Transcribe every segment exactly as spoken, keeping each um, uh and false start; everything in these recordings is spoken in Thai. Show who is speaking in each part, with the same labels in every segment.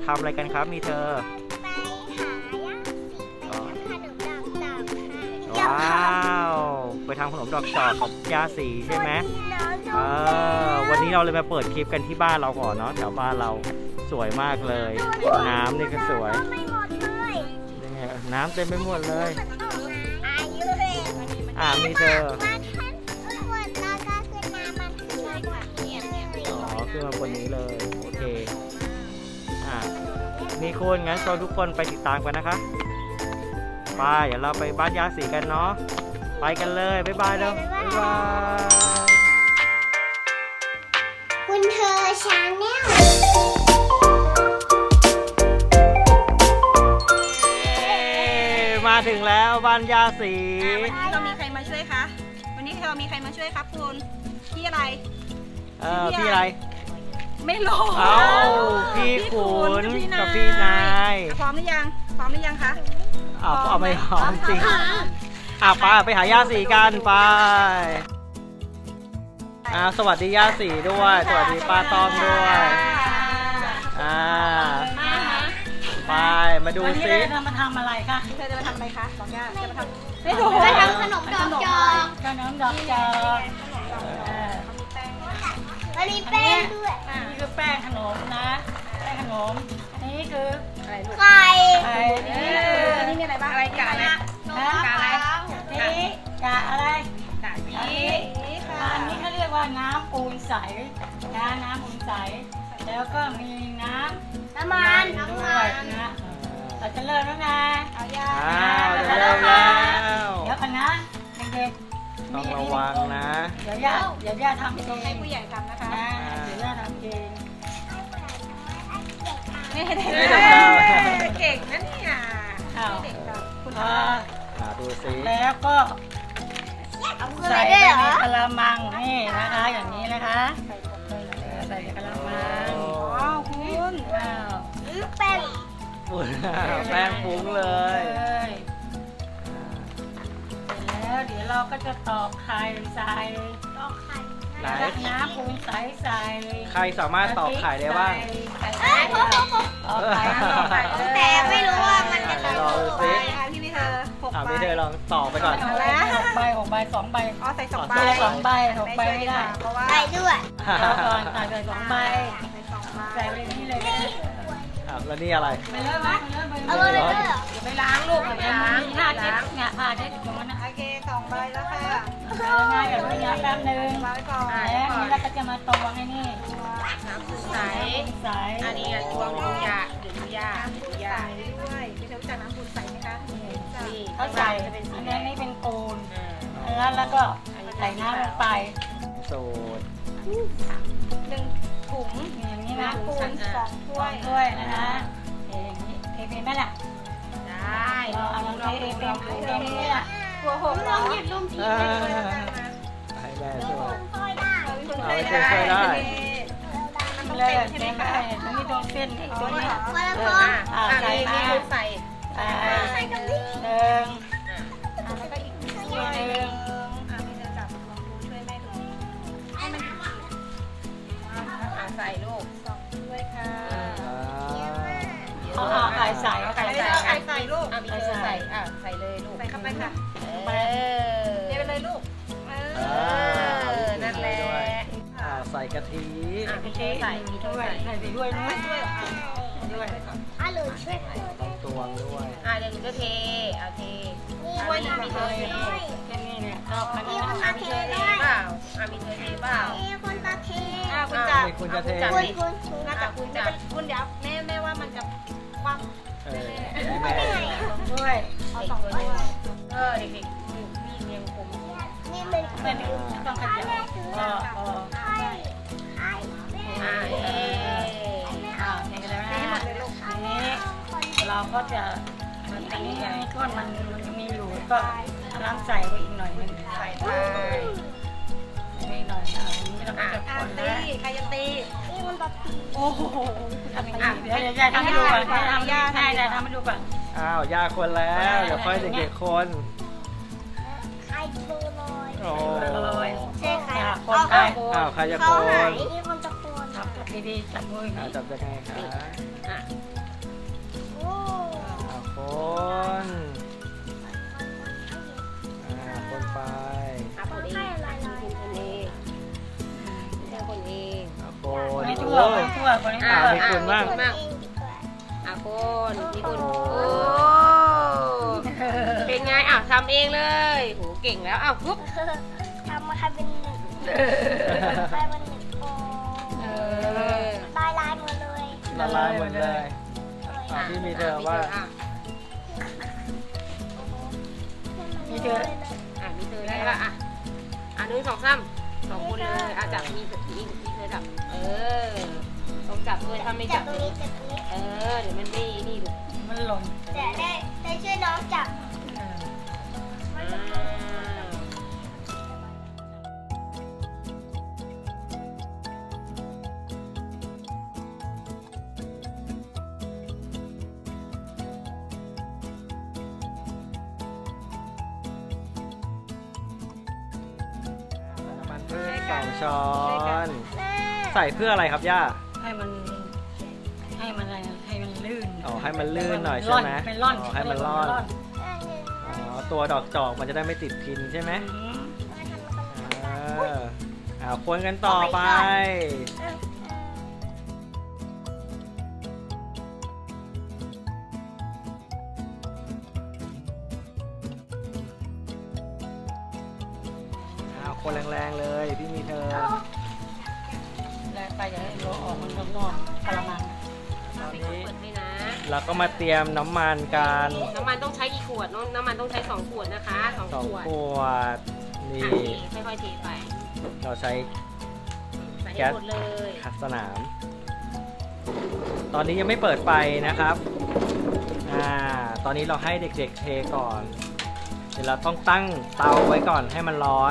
Speaker 1: ทำอะไรกันครับมีเธอว้าวไปทำขนมดอกจอกกับย่าสีใช่ไหมเออวันนี้เราเลยมาเปิดคลิปกันที่บ้านเราก่อนเนาะแถวบ้านเราสวยมากเลยน้ำนี่ก็สวยยังไงน้ำเต็มไปหมดเลยอ่ามีเธออ๋อขึ้นมาบนนี้เลยโอเคอ่ามีคุณงั้นชวนทุกคนไปติดตามกันนะคะไปเดี๋ยวเราไปบ้านย่าสีกันเนาะไปกันเลยบ๊ายบายเร็วบ๊ายบาย
Speaker 2: คุณเธอชาแนล
Speaker 1: มาถึงแล้วบ้านย่าสี
Speaker 3: วันนี้เรามีใครมาช่วยคะวันนี้เรามีใครมาช่วยครับคุณพี่อะไร
Speaker 1: เออพี่อะไร
Speaker 3: ไม่รู้
Speaker 1: เอ้าพี่ขุนกับพี่นาย
Speaker 3: พร้อมหรือยังพร้อมหรือยังคะ
Speaker 1: เอาเอาไม่พร้อมจริงอ่ะไปไปหาย่าสีกันไปอ่าสวัสดีย่าสีด้วยสวัสดีป้าต้อมด้วยอ่าไปมาดูซิ
Speaker 4: จะมาทำอะไรคะ
Speaker 3: เธอจะมาทำอะไรคะบอกย่าจะมาทำ
Speaker 2: ไม่ถูกจะทำขนมดอกจอก
Speaker 4: ขนมดอกจอก
Speaker 2: แล้วมีแป้งด้วย
Speaker 4: นี่คือแป้งขนมนะแป้งขนมนี่คือ
Speaker 3: อะไรลูก
Speaker 2: ไข่
Speaker 4: ไข่นี่
Speaker 3: นี่มีอะไรบ้างอะไรกะอะไรกะอะไร
Speaker 4: นี่กะอะไร
Speaker 3: กะนี้ค่ะ
Speaker 4: อันนี้เขาเรียกว่าน้ำปูนใสนะน้ำปูนใสแล้วก็มีน้ำ
Speaker 2: น้ำมัน
Speaker 4: ด้วยนะเราจะเริ่มแล้วนะ
Speaker 3: เอาย่า
Speaker 1: จะเริ่มแล้ว
Speaker 4: เดี๋ยวกันนะเด็ก
Speaker 1: ๆต้องระวังนะ
Speaker 4: เดี๋ยวย่าเดี๋ยวย่าทำเอง
Speaker 3: ให้ผู้ใหญ่ทำนะคะ
Speaker 4: เดี๋ยวย่าทำเอง
Speaker 3: ไม่ได้เก่งนะเนี่ยเด็กกับคุณพ่อ
Speaker 1: ดูสิ
Speaker 4: แล้วก็ใส่ในกระมังนี่นะคะอย่างนี้นะคะใส่ในกระมัง
Speaker 3: ว้าวคุณ
Speaker 4: ว้าว
Speaker 2: แป้ง
Speaker 1: แป้งฟุ้งเลย
Speaker 4: เสร็จแล้วเดี๋ยวเราก็จะตอกไข่ใส่
Speaker 2: ตอกไข่
Speaker 4: น้ำปูนใสใส่
Speaker 1: ใครสามารถตอกไข่ได้บ้าง
Speaker 2: เอ้ยพอพอพอ
Speaker 4: ตอกไข่ตอกไข่
Speaker 2: แต่ไม่รู้ว่ามันจะตอก
Speaker 1: ไป
Speaker 3: พี่พี่เธอหกใบ
Speaker 1: พี่เธอลองตอกไปก่อน
Speaker 4: หกใบหกใบสองใบ
Speaker 3: อ๋อใส่สองใบ
Speaker 4: สองใบหกใบไม่ได้
Speaker 3: เพราะว่า
Speaker 2: ใส่ด้วย
Speaker 4: เดี๋ยวก่อนใส่ใส่สองใบใส่ไปนี่เลย
Speaker 1: แล้วนี่อะไร
Speaker 4: ไปเริ่มไหม
Speaker 2: เอาเลยเลย
Speaker 3: อย่าไปล้างลูกอย่าไปล้าง
Speaker 4: ผ้าเช็ดเนี่ยผ้าเช็ดตรงนั้นนะ
Speaker 3: โอเคสองใบแล้วค่ะ
Speaker 4: ง่ายกับเรื่องแป๊บนึง
Speaker 3: ไว้ก่อน
Speaker 4: แล้วนี่เราก็จะมาตวงไอ้นี่
Speaker 3: น้ำใส
Speaker 4: ใส
Speaker 3: อันนี้ตวงดูยาดูยาดูยาด้วยพี่เธอรู้จักน้ำปูนใสไหมคะ
Speaker 4: นี่เขาใส่อันนี้นี่เป็นปูนแล้วแล้วก็ใส่น้ำลงไป
Speaker 1: สูตร
Speaker 3: หนึ่งถุง
Speaker 4: อย่างนี้นะ
Speaker 3: ปูนสองถ้วย
Speaker 4: ถ้วยนะคะอย่างนี้เทเป็นไหมล่ะ
Speaker 3: ได้
Speaker 4: เราเอาลองเทเป็นเป็นนี่แหละ
Speaker 3: ตัวหก
Speaker 2: ลองหยิบลงที
Speaker 1: ให้แม่ช่วยเอาไปช่วยได้
Speaker 4: เลยใช่ไหมคะตรงนี้ตรงเส้นตัวนี้
Speaker 2: อ่า
Speaker 4: ใส่มา
Speaker 3: ใส่
Speaker 4: ใส่ตรงนี้หนึ่ง
Speaker 3: แล้วก็อีกถ้วยหนึ่งอ่ะพี่จะจับลองดูช่วยแม่ดูให้มันขีดใส่ลูกสองถ้วยค่ะ
Speaker 4: เอาไข่ใส่เอาไข่ใส่
Speaker 3: ไข่ใส่ลูกอ่ะพี่จะใส่อ่ะใส่เลยลูกใส่เข้าไปค่ะเออเทไปเลยลูกเออนั่นแหละ
Speaker 1: ใส่กะทิ
Speaker 3: อ่ะพี่เทใส่มีถ้วย
Speaker 4: ใส่ไปด้วยนะ
Speaker 3: ด้วยด้วย
Speaker 2: อ่ะหรือช่วย
Speaker 1: ต้องตวงด้วย
Speaker 3: อ่ะเดี๋ยวหนูจะเทเอาเทถ้วยนี้มีเธอเท
Speaker 4: แค่นี้เนี่ยเอาคันนี้
Speaker 3: อ่ะมีเธอเทเปล่าอ่ะมีเธอเทเปล่า
Speaker 2: คนตาเท
Speaker 3: อ่ะคุณจับ
Speaker 1: คุณจะเท
Speaker 2: คุณ
Speaker 3: คุณน่าจะคุณจับคุณเดี๋ยวแม่แม่ว่ามันจะคว่ำ
Speaker 1: เออ
Speaker 4: แม่ด้วย
Speaker 3: เอาสองถ้วยเออเด็กๆมีเรียงคม
Speaker 2: นี่เป็น
Speaker 4: เป็นต้องขยับก็ก็
Speaker 3: อ่าเอ
Speaker 4: อ่าอย่างไรนะนี้เราก็จะมันอันนี้อันนี้ก้อนมันมันจะมีอยู่ก็น้ำใส่ไปอีกหน่อยนึง
Speaker 3: ใส่ไป
Speaker 4: ไม่หน่อยอ่ะนี้เราก็จะคน
Speaker 3: ตีใครจะตี
Speaker 2: นี่มันแบบ
Speaker 3: โอ้โห
Speaker 4: ทำอย่างนี้เดี๋ยวจะทำให้ดูก่อนทำยากให้จะทำให้ดูก่อน
Speaker 1: อ้าวยาคนแล้วเดี๋ยวค่อยเด็กๆคน
Speaker 2: ใครโคลอย
Speaker 1: โอ้
Speaker 4: ย
Speaker 2: ใช่ค่ะ
Speaker 4: คนไป
Speaker 1: อ้าวใครจะโคน
Speaker 2: นี่คนจะโคน
Speaker 4: จับดีๆจับมือ
Speaker 1: จับยังไงคะคนอ่าคนไป
Speaker 3: อ่ะคนเองอ่ะคนเองไม่ใช่คนเอง
Speaker 1: อ่าค
Speaker 4: คน
Speaker 1: น
Speaker 4: นี้
Speaker 1: โอ้
Speaker 4: ทั่วคนนี้ทั่วคนนี้
Speaker 1: อ่า
Speaker 4: ทั่ว
Speaker 1: มีคุณบ้าง
Speaker 2: คนเองดีกว่า
Speaker 3: อ่ะคนมีคนโอ้เป็นไงอ่ะทำเองเลยโหเก่งแล้วอ้าวปุ๊บ
Speaker 2: ทำมาใครเป็นหนึ่งใครเป็นหนึ่งโอ้
Speaker 3: เออ
Speaker 2: ลายลายหมดเลย
Speaker 1: ละลายหมดเลยอ่ะพี่มีเธอว่า
Speaker 3: อ่ะ
Speaker 4: มีเธอ
Speaker 3: อ่ะมีเธอได้ละอ่ะอ่ะหนึ่งสองสามสองคนเลยอ่ะจับมีมีมีเธอจับเออต้องจับด้วยถ้าไม่
Speaker 2: จั
Speaker 3: จั
Speaker 2: บบ ตรงนี้จับตรงนี้
Speaker 3: เออเดี๋ยวมันไม่นี่ลูก
Speaker 4: มันหล่น
Speaker 2: แต่ได้ได้ช่วยน้องจับ
Speaker 4: เออ
Speaker 3: อ่า
Speaker 1: น้ำมันพืชสองช้อน
Speaker 2: แม่
Speaker 1: ใส่เพื่ออะไรครับย่า
Speaker 4: ให้มันให้มันอะไรนะให้มันลื่น
Speaker 1: อ๋อให้มันลื่นหน่อยใช่ไหม
Speaker 4: เป็นร่อน
Speaker 1: อ๋อให้มันร่อน
Speaker 2: อันหนึ่ง
Speaker 1: อ๋อตัวดอกจอกมันจะได้ไม่ติดพินใช่ไหม
Speaker 4: อืม
Speaker 2: มาทำมาทำ
Speaker 1: เอออ่าคนกันต่อไป
Speaker 2: เออ
Speaker 1: อ่าคนแรงๆเลยพี่มีเธอ
Speaker 4: แล้วไปอย่าให้เราออกมันข้างนอกกระมัง
Speaker 1: ตอน
Speaker 3: ให้
Speaker 1: นี้
Speaker 3: เปิดให้นะ
Speaker 1: เราก็มาเตรียมน้ำมันกัน
Speaker 3: น้ำมันต้องใช้กี่ขวดน้องน้ำมันต้องใช้สองขวดนะคะสอง
Speaker 1: สอง
Speaker 3: ขวด
Speaker 1: ขวดนี่
Speaker 3: อ่ะเทค่อยๆเทไป
Speaker 1: เราใช้
Speaker 3: ใส่ให้หมดเลย
Speaker 1: ขัดสนาม ตอนนี้ยังไม่เปิดไฟนะครับอ่าตอนนี้เราให้เด็กๆเทก่อน เดี๋ยวเราต้องตั้งเตาไว้ก่อนให้มันร้อน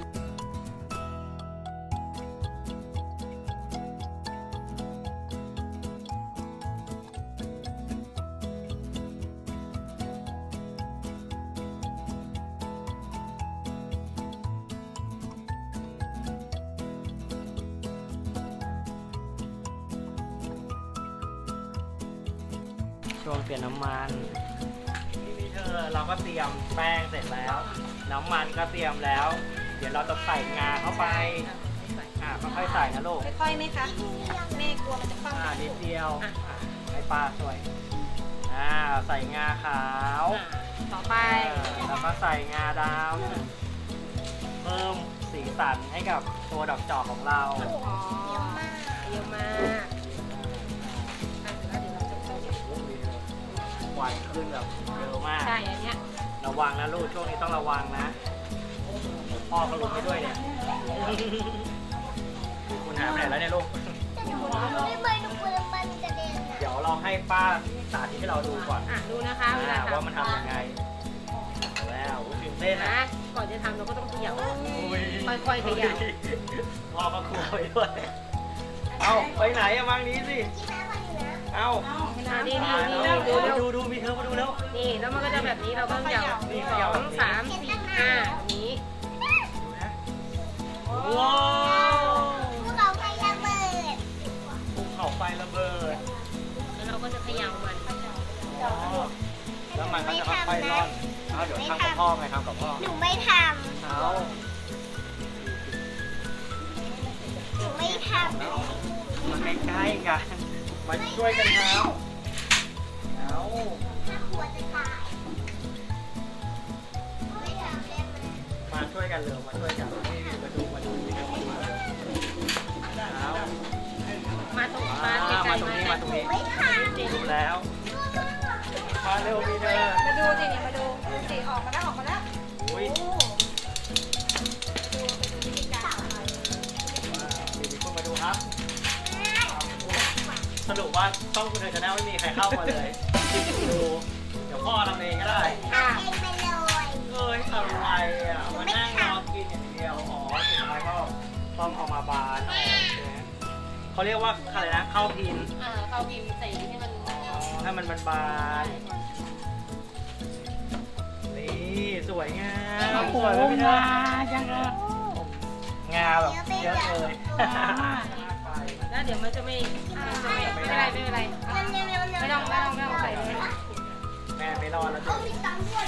Speaker 1: ช่วงเปลี่ยนน้ำมันที่มีเธอเราก็เตรียมแป้งเสร็จแล้ว น้ำมันก็เตรียมแล้ว เดี๋ยวเราจะใส่งาเข้าไปอ่าค่อยๆใส่นะลูก
Speaker 3: ค่อยๆไหมคะแม่กลัวมันจะคว่ำ
Speaker 1: อ่านิดเดียว
Speaker 3: อ่ะ
Speaker 1: อ่ะให้ป้าช่วยอ่าใส่งาขาว
Speaker 3: อ่ะต่อไป
Speaker 1: อ่าแล้วก็ใส่งาดำเพิ่มสีสันให้กับตัวดอกจอกของเรา
Speaker 3: อ๋อเยอะมากอ่ะแล้วเดี๋ยวเราจะใส่
Speaker 1: ควันขึ้นแบบเยอะมาก
Speaker 3: ใช่อันเนี้ย
Speaker 1: ระวังนะลูกช่วงนี้ต้องระวังนะพ่อก็ลุกไปด้วยเนี่ยคุณหายไปไหนแล้วเนี่ยลูก
Speaker 2: ไม่เคยดูปืนมันกระเด็นอ่ะ
Speaker 1: เดี๋ยวเราให้ป้าสาธิตให้เราดูก่อน
Speaker 3: อ่ะดูนะคะเวลา
Speaker 1: อ่า
Speaker 3: ทำ
Speaker 1: ว่ามันทำยังไงแล้วตื่นเต้น
Speaker 3: นะ
Speaker 1: นะ
Speaker 3: ก่อนจะทำเราก็ต้องเขย่า
Speaker 1: อุ้ย
Speaker 3: ค่อยๆเขย่า
Speaker 1: พ่อก็กลัวไปด้วย เอาไปไหนอะมังนี้สิ
Speaker 2: ที่แม่คนอยู่นะ
Speaker 1: เอา
Speaker 3: อ่ะนี่
Speaker 1: มา
Speaker 3: นี่
Speaker 1: แล้ว
Speaker 3: นี่ดูเร็ว
Speaker 1: ดูดูมีเธอมาดูแล้ว
Speaker 3: นี่แล้วมันก็จะแบบนี้เราก็เขย่า
Speaker 1: นี่
Speaker 3: ส
Speaker 1: เขย่า
Speaker 3: องสามสี่ห้าแบบนี้
Speaker 1: ดูนะว้าว
Speaker 2: ภูเขาไฟระเบิด
Speaker 1: ภูเขาไฟระเบิด
Speaker 3: แล้วเราก็จะเขย่ามัน
Speaker 1: อ๋อแล้วมันก็จะค่อยๆร่อนเอาเดี๋ยวทำกับพ่อไงทำกับพ่อ
Speaker 2: หนูไม่ท
Speaker 1: เอา
Speaker 2: ำหนูไม่ทำ
Speaker 1: แล้วมันใกล้ๆกันมาช่วยกันทำเอา
Speaker 2: ถ้าหัวจะตายไม่ทำได้ไหม
Speaker 1: มาช่วยกันเร็วมาช่วยกันนี่มาดูมาดูนี่เร็วมาดูมาเร็วเอา
Speaker 3: มาตรง
Speaker 1: มา
Speaker 3: มาไกล
Speaker 1: มา
Speaker 3: ๆ
Speaker 1: ตรง
Speaker 3: มา
Speaker 1: นี้มาตรงนี้
Speaker 2: ไม่ทำ
Speaker 1: ดูแล้ว มาเร็วมีเธอ
Speaker 3: มาดูสิเนี่ยมาดูดูสิออกมาแล้วออกมาแล้ว
Speaker 1: อุ้ย
Speaker 3: โอ้ดูไปดูวิธีการทำ
Speaker 1: มีมีคนมาดูครับ สรุปว่าช่องคุณเธอชาแนลไม่มีใครเข้ามาเลย ดู เดี๋ยวพ่อทำเองก็ได้
Speaker 3: อ่ะ
Speaker 2: เองไปเลย
Speaker 1: เอ้ยอะไรอ่ะ มานั่งรอกินอย่างเดียว อ๋อสุดท้ายก็ต้องเอามาบานออกใช่ไหมเขาเรียกว่าอะไรนะข้าวพิน
Speaker 3: อ่าเขาพิมพ์ใส่ให้มัน
Speaker 1: อ๋อให้มันบานๆนี่สวยงาม
Speaker 4: โอ้โห
Speaker 1: สวยไหมพี่เธอ
Speaker 4: มาจังเลย
Speaker 1: งาแบบเยอะเลย
Speaker 3: แล้วเดี๋ยวมันจะไม่มันจะไม่ไม่เป็นไรไม่เป็นไร
Speaker 2: มันเร็วๆ
Speaker 3: ไม่ต้องไม่ต้องไม่ต้องใส่เลย
Speaker 1: ใแม่ไม่รอดแล้วจ้ะ
Speaker 2: มีตังค์ด้วย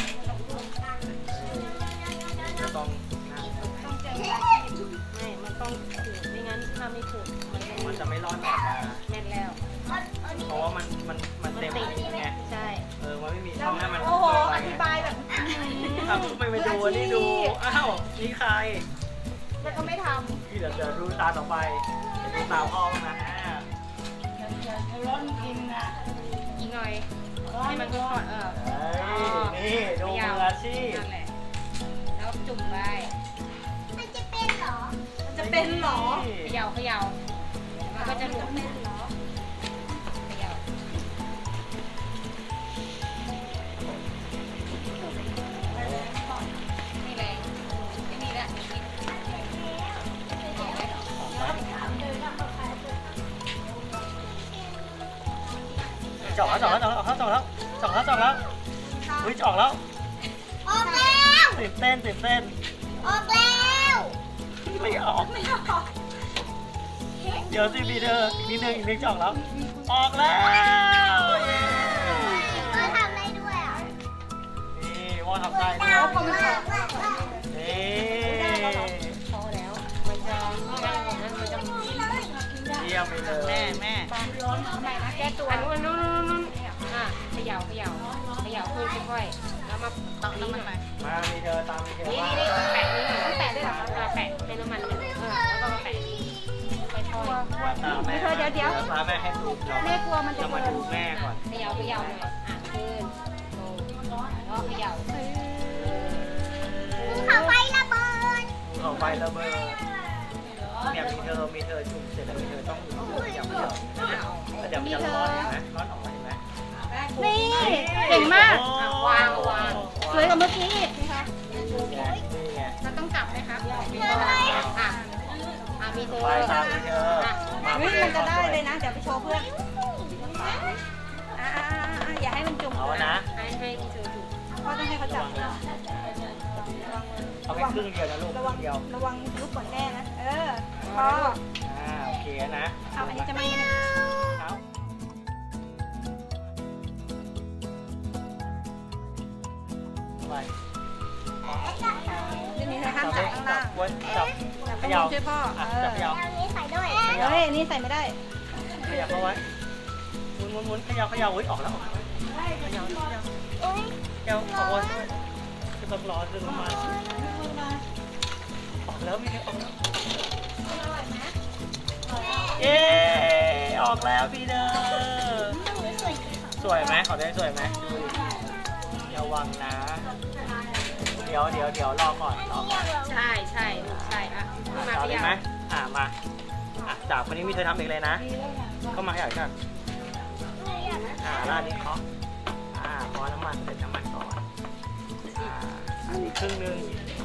Speaker 1: จะต้องนะ
Speaker 3: ต้องเจอเวลาที่ไม่ มันต้องขูดไม่งั้นถ้าไม่ขูดมันจะ
Speaker 1: มันจะไม่รอดออกมา
Speaker 3: แน่นแล้ว
Speaker 1: เพราะว่ามันมันมันเต็มไง
Speaker 3: ใช่
Speaker 1: เออมันไม่มีช่องให้มัน
Speaker 3: โอ้โห
Speaker 1: เข้าไป
Speaker 3: อธิบายแบบ
Speaker 1: ทำไม่ไปดูนี่ดูอ้าวนี่ใคร
Speaker 3: แล้วก็ไม่ท
Speaker 1: ที่เดี๋ยวจะดูตาต่อไปเดี๋ยวดูตาพ่อบ้างนะ
Speaker 4: อย่าอย่าจะร้อนกินนะ
Speaker 3: ำอีกหน่อย
Speaker 4: ร้อน
Speaker 3: ให้มัน
Speaker 4: ร้
Speaker 3: ก็
Speaker 4: อน
Speaker 3: เออ
Speaker 1: เฮ้ยนี่ดูมืออาชีพ
Speaker 3: นั่นแหละ แล้วจุ่มไป
Speaker 2: มันจะเป็นเหรอ
Speaker 3: มันจะเป็นเหรอ
Speaker 1: นี่
Speaker 3: เขย่าเขย่ามันก็จะหลุดเป็นเหรอเขย่านี่แรงนี่แหละ
Speaker 1: จอกแล้วจอกแล้วจอกแล้วจอกแล้วจอกแล้วจอกแล้วอุ้ยจอกแล้ว
Speaker 2: ออกแล้ว
Speaker 1: ตื่นเต้นตื่นเต้น
Speaker 2: ออกแล้ว
Speaker 1: ไม่ออกเดี๋ยวสิพี่เธออีกนิดนึงอีกนิดจอกแล้วออกแล้วเย้
Speaker 2: ก็ทำได้ด้วยอ่ะ
Speaker 1: นี่ว่าทำได้ด้วย
Speaker 2: เอาของมา
Speaker 1: นี่
Speaker 3: พอแล้ว มันจะไม่ได้ของนั้นมันจะ
Speaker 1: เยี่ยมไปเลย
Speaker 3: แม่แม่ร้อนทำไมนะแก้ตัวอันนู้นนู้นนู้นนู้นอ่ะเขย่าเขย่าเขย่าค่อยค่อยๆแล้วมาตอกนี้หน่อย
Speaker 1: มามีเธอตามมีเธอ
Speaker 3: นี่
Speaker 1: มา
Speaker 3: นี่นี่แปะนี่หน่อยต้องแปะด้วยเหรอคะอ่ะแปะเป็นน้ำมันหนึ่งเออแล้วก็มาแปะนี่ค่อยๆ
Speaker 1: ตามแม่
Speaker 3: เดี๋ยวเดี๋ยว
Speaker 1: ตามแม่ให้ดูเรา
Speaker 3: แม่กลัวมันจะ
Speaker 1: จะมาดูแม่ก่อน
Speaker 3: เขย่าเขย่าหน่อยอ่ะขึ้นลงแล้วเขย่า
Speaker 2: เขาไฟระเบิด
Speaker 1: เอาไประเบิดเนี่ยมีเธอมีเธอจุ่มเสร็จแล้วมีเธอต้องหยับหยับเดี๋ยวมันจะร้อนเห็นไหมร้อนออกมาเห็นไหม
Speaker 3: นี่เก่งมาก
Speaker 1: โอ้
Speaker 3: อ่ะวางวางสวยกว่าเมื่อกี้อีกนะคะ
Speaker 1: นี่ไงนี่ไง
Speaker 3: เราต้องกลับไหมครับอ่ะอ่ะมีเธอ
Speaker 1: ไปตามมีเธอ
Speaker 3: อ่ะ
Speaker 1: มา
Speaker 3: เฮ้ย
Speaker 1: ไป
Speaker 3: มันจะได้เลยนะ เดี๋ยวไปโชว์เพื่อนอ่าอย่าให้มันจุ่ม
Speaker 1: เอานะ
Speaker 3: ให้ให้มีเธอจุ่มพ่อต้องให้เขาจับ
Speaker 1: เอาแค่ครึ่งเดียวนะลูกค
Speaker 3: ระ
Speaker 1: รึ่
Speaker 3: วัง
Speaker 1: งเดียว
Speaker 3: ระวังลุกก่อนแน่นะ เออพอ
Speaker 1: อ่าโอเคนะ
Speaker 3: เอาอันนี้จะไม่นะ
Speaker 1: เอาไป
Speaker 3: นี่นี่ห้าม
Speaker 1: จั
Speaker 3: จั
Speaker 1: บบ
Speaker 3: ข้าง
Speaker 1: จั
Speaker 3: ล่า
Speaker 1: บ
Speaker 3: ง
Speaker 1: ไว้จับ
Speaker 3: จับ
Speaker 1: เข
Speaker 3: ข้างบ
Speaker 1: ย่าน
Speaker 3: ช่วยพ่อ
Speaker 1: อ่ะ
Speaker 3: เออ
Speaker 1: จับเขย่า
Speaker 2: เอานี้ใส่ด้วย
Speaker 3: เฮ้ยนี่ใส่ไม่ได้
Speaker 1: ขยับเข้าไว้หมุนหมุนหมุนเขย่าเขย่าเฮ้ยออกแล้วออกแล้วเขย่าเขย่า
Speaker 2: โอ้ย
Speaker 1: เขย่าออกมาด้วยคือต้องรอดึงมาออกแล้วมีเธอออกแล้วเย้ออกแล้วพี่เด้อสวยไหมขอได้สวยไหมดูดิระวังนะ เดี๋ยวเดี๋ยวเดี๋ยวรอก่อนรอก่อน
Speaker 3: ใช่ใช่ลูกใช่อ่ะมา
Speaker 1: เอา
Speaker 3: ข
Speaker 1: เลย
Speaker 3: ยับ
Speaker 1: ไหมอ่ามาอ่ะจากคนนี้มีเธอทำเองเลยนะเข้ามาขยับกันอ่าร้านนี้เคาะอ่าพอน้ำมันเสร็จน้ำมันก่อนอ่าอันนี้ครึ่งหนึง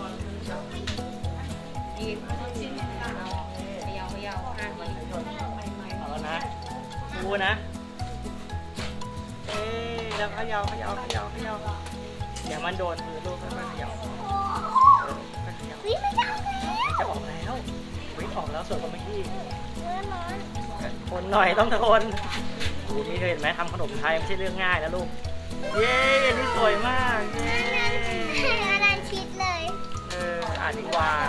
Speaker 3: อีกขยับขยับอ่ะ
Speaker 1: เอาแล้วนะดูนะเอ๊ะแล้วเขย่าเขย่าเขย่าเขย่าเดี๋ยวมันโดนมือลูกค่อยๆเขย่าเออค่อยๆเขย่า
Speaker 2: วิไม่ได้แล้ว
Speaker 1: จะออกแล้ววิ่งออกแล้วส่วนของเมื่อกี้
Speaker 2: เมื่อร้อน
Speaker 1: ทนหน่อยต้องทนดูนี่เคยเห็นไหมทำขนมไทยไม่ใช่เรื่องง่ายนะลูก เย้อันนี่สวยมาก เย้
Speaker 2: อันนั้นชิดเลย
Speaker 1: เอออ่านดีกว่า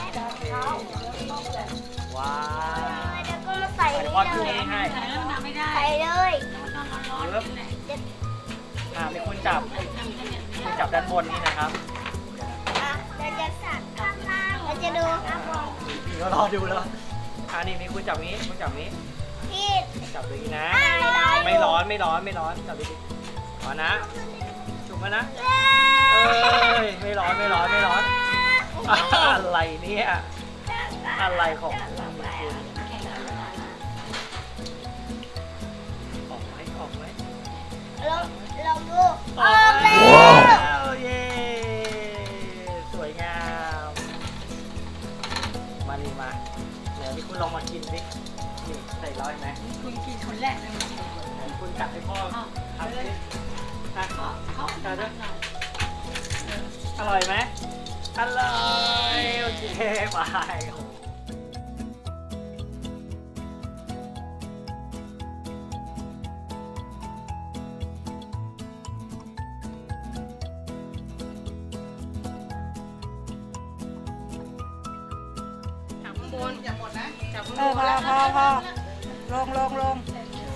Speaker 1: ว้าว
Speaker 2: แล้วก็มาใส่
Speaker 1: เดี๋ยว
Speaker 2: นี่
Speaker 1: พ่อช่
Speaker 2: เล
Speaker 1: วย
Speaker 2: ย
Speaker 1: ให้
Speaker 4: มันทำไม่ได้
Speaker 2: ใส่เลย
Speaker 1: ปึ๊บอ่ามีคนจับคุณจับด้านบนนี่นะครับ
Speaker 2: อ่ะเราจะสั่นข้างล่างเราจะดูอ่ะมอง
Speaker 1: พี่ก็รอดูแล้วอ่านี่มีคุณจับนี้คุณจับนี้
Speaker 2: พี่
Speaker 1: จับอย่างนี้นะ
Speaker 2: อ่ะ
Speaker 1: ไม่ร้อนไม่ร้อนไม่ร้อนจับดีๆขอนะจุ่มมานะ
Speaker 2: เย้
Speaker 1: เอ้ยไม่ร้อนไม่ร้อนไม่ร้อนอะไรเนี่ยอะไรของคุณออกไหมออกไหม
Speaker 2: ลองลองดู
Speaker 1: อ
Speaker 2: ออกแล้ว
Speaker 1: วเย้สวยงามมานี่มาเดี๋ยวพี่คุณลองมากินสินี่ใส่ร้อยไหม
Speaker 4: คุณกินคนแรกเลย
Speaker 1: คุณกัดให้พ่อทำสิอ่ะ
Speaker 4: เขา
Speaker 1: กัดด้วยอร่อยไหมอร่อยโอเคไป
Speaker 3: คุณอย่าหมดนะจับคุณ
Speaker 4: เออพอพอพอลงลงลง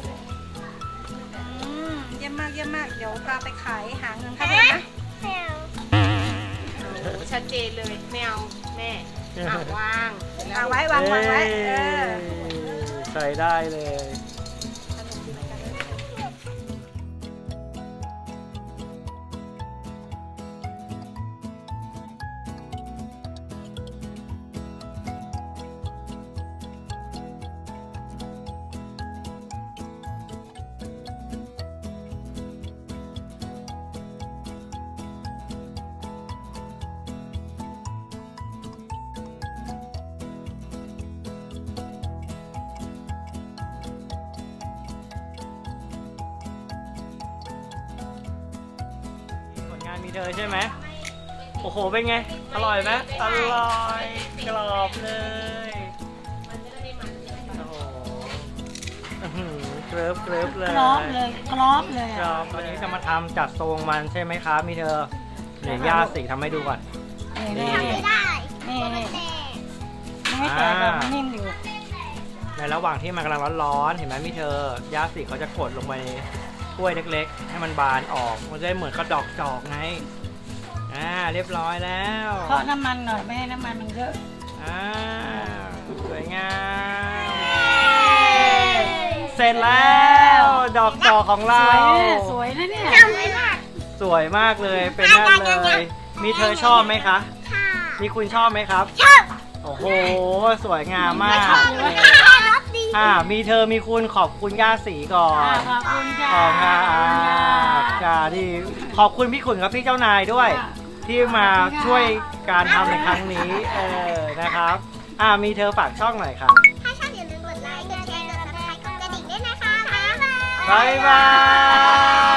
Speaker 4: อืมเยี่ยมมากเยี่ยมมากเดี๋ยวพาไปขายหาเงินค่าเทอมนะ
Speaker 2: แมว
Speaker 3: โอ้ชัดเจนเลยแมวแม่อ่ะวางเสร็จแล้ว
Speaker 4: วางไว้วางวางไว้เออ
Speaker 1: ใส่ได้เลย ผลงานมีเธอใช่ไหม โอ้โห เป็นไง อร่อยไหมอร่อย กรอบเลย โอ้โหอื้อหือเกริบเกริบเลย
Speaker 4: กรอบเลยกรอบเลย
Speaker 1: กรอบวันนี้จะมาทำจัดทรงมันใช่ไหมครับ มีเธอเดี๋ยวย่าสีทำให้ดูก่อน
Speaker 4: นี่
Speaker 2: ทำไม่ได้
Speaker 4: นี่
Speaker 2: มัน
Speaker 4: นี่
Speaker 2: แตก
Speaker 4: ไม่แตกแบบนิ่มอยู่
Speaker 1: ในระหว่างที่มันกำลังร้อนๆ เห็นไหมมีเธอย่าสีเขาจะกดลงไปในถ้วยเล็กๆ ให้มันบานออก มันจะได้เหมือนกระดอกจอกไง อ่า เรียบร้อยแล้ว
Speaker 4: เพราะน้ำมันหน่อยไม่ให้น้ำมันมันเยอะ
Speaker 1: อ่า สวยงาม เสร็จแล้ว ดอกจอกของ
Speaker 4: ส
Speaker 1: เรา
Speaker 4: วยเนี่ยสวยนะเนี่ย
Speaker 2: ทำไม่ได้
Speaker 1: สวยมากเลย เป็นนั่นเลย มีเธอชอบไหมคะ
Speaker 2: ค่ะ
Speaker 1: มีคุณชอบไหมครับ
Speaker 2: ชอบ
Speaker 1: โอ้โห สวยงามมาก
Speaker 2: รสดี
Speaker 1: อ่า มีเธอมีคุณขอบคุณย่าสีก่อน
Speaker 4: ขอบคุณจ้า
Speaker 1: ขอบคุณครับจ้าที่ขอบคุณพี่ขุนกับพี่เจ้านายด้วย ที่มาช่วยการทำในครั้งนี้ เออ นะครับ อ่า มีเธอฝากช่องหน่อยครับ
Speaker 2: ถ้าชอบอย่าลืมกดไลค์ กดแชร์ กดซับสไครต์ กดกระดิ่งด้วยนะคะ บ๊ายบาย
Speaker 1: บ๊ายบาย